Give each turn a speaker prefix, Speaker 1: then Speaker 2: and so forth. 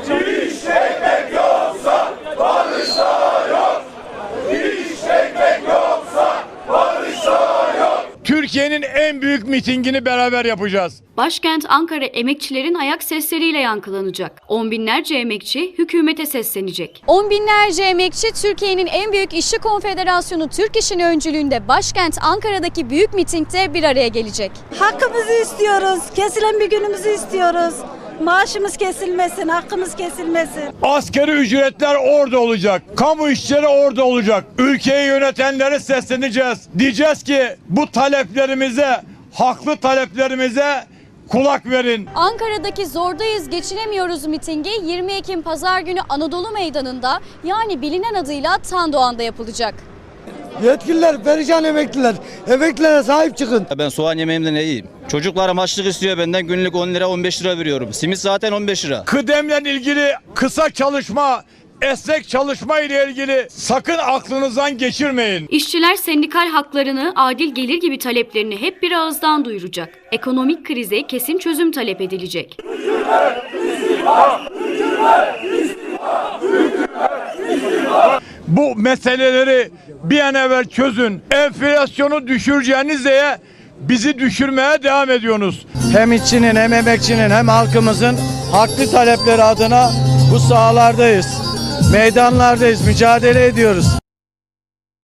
Speaker 1: İş ekmek yoksa barış da yok. İş ekmek yoksa barış da yok. Türkiye'nin en büyük mitingini beraber yapacağız.
Speaker 2: Başkent Ankara emekçilerin ayak sesleriyle yankılanacak. On binlerce emekçi hükümete seslenecek.
Speaker 3: On binlerce emekçi Türkiye'nin en büyük işçi konfederasyonu Türk İş'in öncülüğünde başkent Ankara'daki büyük mitingde bir araya gelecek.
Speaker 4: Hakkımızı istiyoruz. Kesilen bir günümüzü istiyoruz. Maaşımız kesilmesin, hakkımız kesilmesin.
Speaker 1: Asgari ücretler orada olacak. Kamu işçileri orada olacak. Ülkeyi yönetenlere sesleneceğiz. Diyeceğiz ki bu taleplerimize, haklı taleplerimize kulak verin.
Speaker 3: Ankara'daki Zordayız Geçinemiyoruz mitingi 20 Ekim Pazar günü Anadolu Meydanı'nda, yani bilinen adıyla Tandoğan'da yapılacak.
Speaker 5: Yetkililer, perişan emekliler. Emeklilere sahip çıkın.
Speaker 6: Ben soğan yemeğimden ne yiyeyim? Çocuklarım açlık istiyor benden, günlük 10 lira 15 lira veriyorum. Simit zaten 15 lira.
Speaker 1: Kıdemle ilgili kısa çalışma, esnek çalışma ile ilgili sakın aklınızdan geçirmeyin.
Speaker 2: İşçiler sendikal haklarını, adil gelir gibi taleplerini hep bir ağızdan duyuracak. Ekonomik krize kesin çözüm talep edilecek.
Speaker 1: Bu meseleleri bir an evvel çözün. Enflasyonu düşüreceğiniz diye bizi düşürmeye devam ediyorsunuz.
Speaker 5: Hem işçinin hem emekçinin hem halkımızın haklı talepleri adına bu sahalardayız. Meydanlardayız, mücadele ediyoruz.